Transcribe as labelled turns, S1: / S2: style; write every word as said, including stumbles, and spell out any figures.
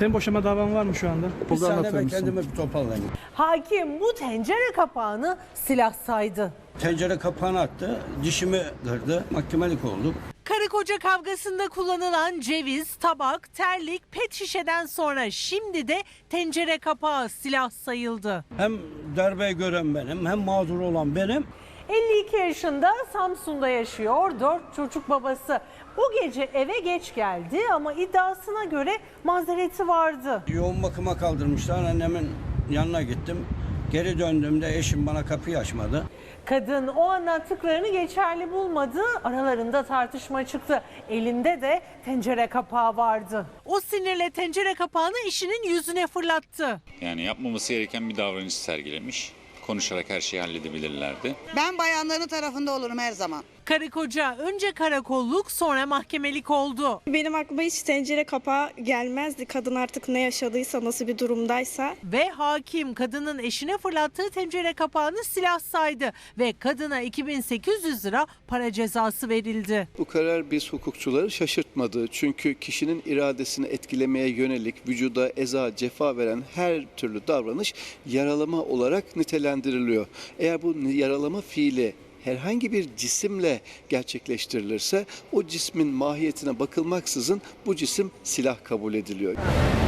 S1: Senin boşama davan var mı şu anda?
S2: Bir
S1: Burada
S2: saniye
S1: anlatır
S2: ben
S1: mısın?
S2: kendimi bir toparlayayım.
S3: Hakim bu tencere kapağını silah saydı.
S2: Tencere kapağını attı, dişimi kırdı, mahkemelik olduk.
S3: Karı koca kavgasında kullanılan ceviz, tabak, terlik, pet şişeden sonra şimdi de tencere kapağı silah sayıldı.
S2: Hem darbeyi gören benim, hem mağdur olan benim.
S3: elli iki yaşında Samsun'da yaşıyor, dört çocuk babası. O gece eve geç geldi ama iddiasına göre mazereti vardı.
S2: Yoğun bakıma kaldırmışlar, annemin yanına gittim. Geri döndüğümde eşim bana kapıyı açmadı.
S3: Kadın o anlattıklarını geçerli bulmadı, aralarında tartışma çıktı. Elinde de tencere kapağı vardı. O sinirle tencere kapağını eşinin yüzüne fırlattı.
S4: Yani yapmaması gereken bir davranış sergilemiş. Konuşarak her şeyi halledebilirlerdi.
S5: Ben bayanların tarafında olurum her zaman.
S3: Karı koca önce karakolluk sonra mahkemelik oldu.
S6: Benim aklıma hiç tencere kapağı gelmezdi. Kadın artık ne yaşadıysa, nasıl bir durumdaysa.
S3: Ve hakim kadının eşine fırlattığı tencere kapağını silah saydı ve kadına iki bin sekiz yüz lira para cezası verildi.
S7: Bu karar biz hukukçuları şaşırtmadı. Çünkü kişinin iradesini etkilemeye yönelik vücuda eza, cefa veren her türlü davranış yaralama olarak nitelendiriliyor. Eğer bu yaralama fiili herhangi bir cisimle gerçekleştirilirse o cismin mahiyetine bakılmaksızın bu cisim silah kabul ediliyor.